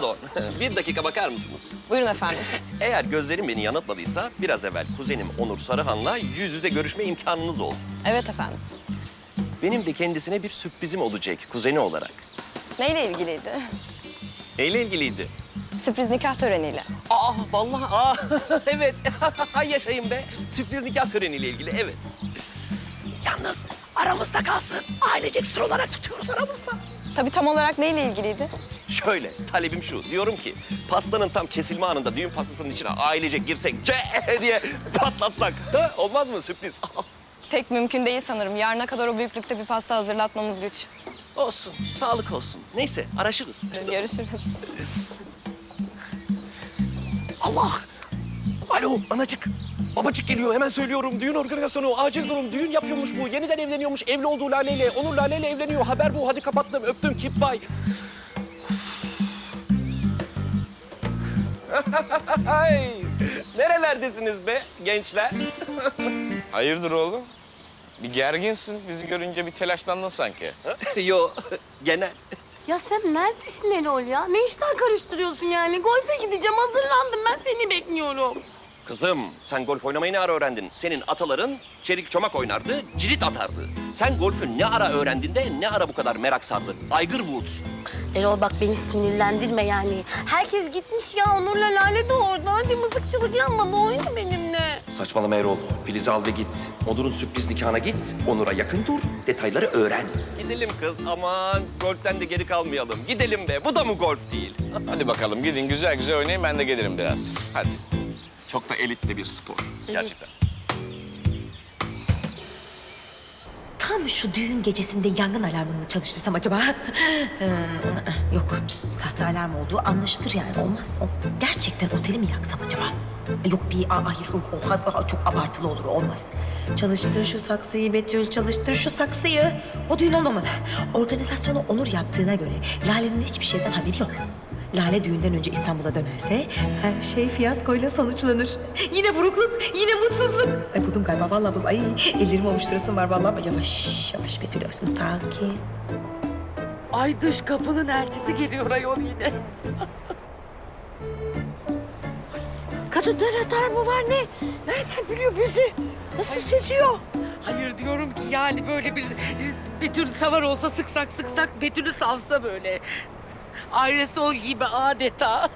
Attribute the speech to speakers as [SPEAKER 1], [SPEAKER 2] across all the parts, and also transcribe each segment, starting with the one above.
[SPEAKER 1] Pardon, bir dakika bakar mısınız?
[SPEAKER 2] Buyurun efendim.
[SPEAKER 1] Eğer gözlerim beni yanıltmadıysa biraz evvel kuzenim Onur Sarıhan'la yüz yüze görüşme imkanınız oldu.
[SPEAKER 2] Evet efendim.
[SPEAKER 1] Benim de kendisine bir sürprizim olacak kuzeni olarak.
[SPEAKER 2] Neyle ilgiliydi?
[SPEAKER 1] Neyle ilgiliydi?
[SPEAKER 2] Sürpriz nikah töreniyle.
[SPEAKER 1] Vallahi evet. Yaşayın be. Sürpriz nikah töreniyle ilgili, evet. Yalnız aramızda kalsın. Ailecek sır olarak tutuyoruz aramızda.
[SPEAKER 2] Tabii tam olarak neyle ilgiliydi?
[SPEAKER 1] Şöyle, talebim şu. Diyorum ki pastanın tam kesilme anında düğün pastasının içine ailecek girsek diye patlatsak. Ha? Olmaz mı sürpriz?
[SPEAKER 2] Pek mümkün değil sanırım. Yarına kadar o büyüklükte bir pasta hazırlatmamız güç.
[SPEAKER 1] Olsun, sağlık olsun. Neyse, araşırız.
[SPEAKER 2] Görüşürüz.
[SPEAKER 1] Allah! Alo, anacık. Babacık geliyor, hemen söylüyorum. Düğün organizasyonu, acil durum. Düğün yapıyormuş bu. Yeniden evleniyormuş. Evli olduğu Lale'yle. Onur Lale'yle evleniyor. Haber bu. Hadi kapattım, öptüm. Keep bye. Ay, nerelerdesiniz be gençler?
[SPEAKER 3] Hayırdır oğlum? Bir gerginsin. Bizi görünce bir telaşlandın sanki.
[SPEAKER 1] Yo, genel.
[SPEAKER 4] Ya sen neredesin Erol ya? Ne işler karıştırıyorsun yani? Golfe gideceğim, hazırlandım. Ben seni bekliyorum.
[SPEAKER 1] Kızım, sen golf oynamayı ne ara öğrendin? Senin ataların çelik çomak oynardı, cirit atardı. Sen golfü ne ara öğrendin de ne ara bu kadar merak sardı? Tiger Woods.
[SPEAKER 4] Erol bak beni sinirlendirme yani. Herkes gitmiş ya. Onur'la Lale de orada. Hadi mızıkçılık yapma. Oyna benimle.
[SPEAKER 1] Saçmalama Erol. Filiz'i al ve git. Onur'un sürpriz nikahına git. Onur'a yakın dur, detayları öğren. Gidelim kız, aman. Golften de geri kalmayalım. Gidelim be, bu da mı golf değil?
[SPEAKER 3] Hadi bakalım gidin güzel güzel oynayın. Ben de gelirim biraz. Hadi.
[SPEAKER 1] Çok da elitli bir spor. Gerçekten.
[SPEAKER 5] Tam şu düğün gecesinde yangın alarmını mı çalıştırsam acaba? Yok, sahte alarm olduğu anlaşılır yani. Olmaz. Gerçekten oteli mi yaksam acaba? Yok hayır yok. Çok abartılı olur, olmaz. Çalıştır şu saksıyı Betül, çalıştır şu saksıyı. O düğün olmamalı. Organizasyonu Onur yaptığına göre Lale'nin hiçbir şeyden haberi yok. Lale düğünden önce İstanbul'a dönerse her şey fiyaskoyla sonuçlanır. Yine burukluk, yine mutsuzluk. Ay buldum galiba, vallahi buldum. Ay ellerimi ovuşturasım var vallahi. Yavaş, yavaş Betül, sakin.
[SPEAKER 6] Ay dış kapının eltisi geliyor ayol yine. Kadın atar mı var ne? Nereden biliyor bizi? Nasıl seziyor? Hayır diyorum ki yani böyle bir Betül savar olsa sıksak Betül'ü salsa böyle. Ayrısol gibi adeta.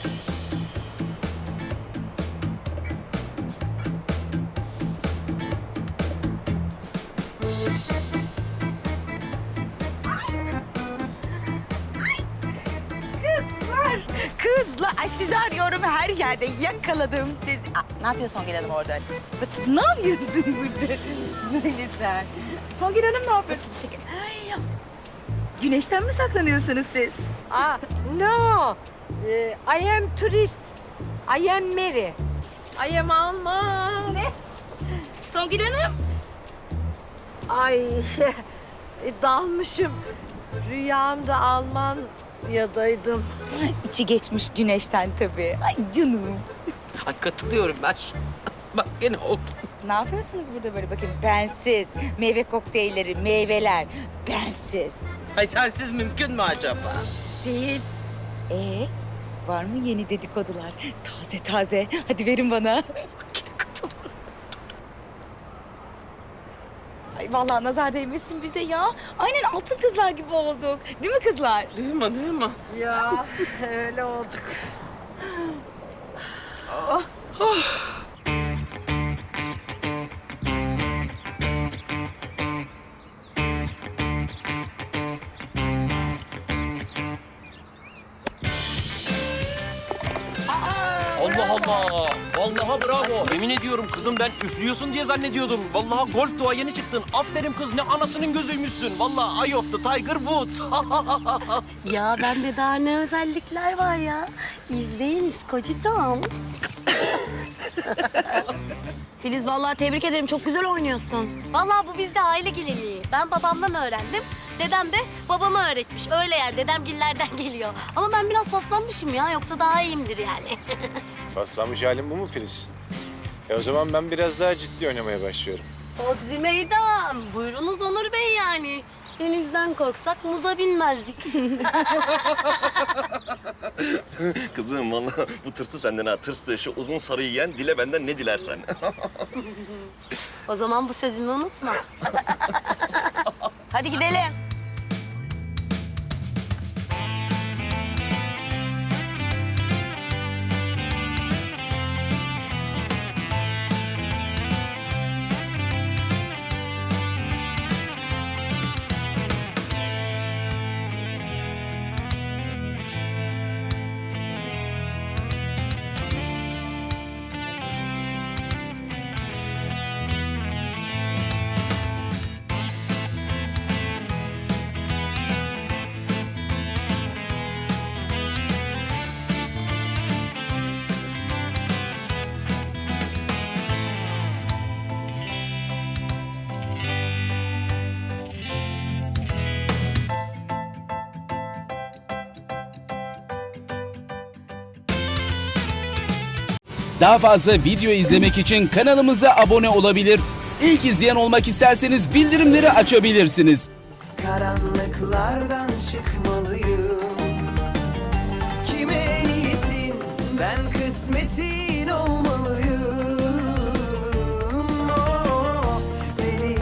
[SPEAKER 7] Kızlar, ay sizi arıyorum her yerde. Yakaladım sizi. Ne yapıyorsun Songül Hanım orada?
[SPEAKER 6] Ne yapıyorsun burada? Böyle sen.
[SPEAKER 7] Songül Hanım ne yapıyorsun? Çekil. Ay, güneşten mi saklanıyorsunuz siz?
[SPEAKER 6] No. I am tourist. I am Mary. I am Alman. Ne?
[SPEAKER 7] Songül Hanım.
[SPEAKER 6] Ay dalmışım. Rüyamda Almanya'daydım.
[SPEAKER 7] İçi geçmiş güneşten tabii. Ay canım.
[SPEAKER 6] Ay katılıyorum ben. Bak gene oldu.
[SPEAKER 7] Ne yapıyorsunuz burada böyle bakın? Bensiz. Meyve kokteylleri, meyveler. Bensiz.
[SPEAKER 6] Ay sensiz mümkün mü acaba?
[SPEAKER 7] Değil. Var mı yeni dedikodular? Taze taze. Hadi verin bana. Ay vallahi nazar değmesin bize ya. Aynen altın kızlar gibi olduk. Değil mi kızlar?
[SPEAKER 6] Değil mi? Ya öyle olduk.
[SPEAKER 1] Allah Allah! Vallahi bravo. Yemin ediyorum kızım ben üflüyorsun diye zannediyordum. Vallahi golf doğa yeni çıktın. Aferin kız, ne anasının gözüymüşsün. Vallahi Eye of the Tiger Woods.
[SPEAKER 4] Ya bende daha ne özellikler var ya. İzleyiniz kocitom. Filiz vallahi tebrik ederim. Çok güzel oynuyorsun. Vallahi bu bizde aile geleneği. Ben babamdan öğrendim. Dedem de babama öğretmiş. Öyle yani dedemgillerden geliyor. Ama ben biraz paslanmışım ya. Yoksa daha iyiyimdir yani.
[SPEAKER 8] Paslanmış halin bu mu Filiz? O zaman ben biraz daha ciddi oynamaya başlıyorum.
[SPEAKER 4] Hodri meydan. Buyurunuz Onur Bey yani. Denizden korksak muza binmezdik.
[SPEAKER 1] Kızım vallahi bu tırtı senden ha, tırstı. Şu uzun sarıyı yiyen dile benden ne dilersen.
[SPEAKER 4] O zaman bu sözünü unutma. Hadi gidelim.
[SPEAKER 9] Daha fazla video izlemek için kanalımıza abone olabilir. İlk izleyen olmak isterseniz bildirimleri açabilirsiniz.
[SPEAKER 10] Karanlıklardan çıkmalıyım.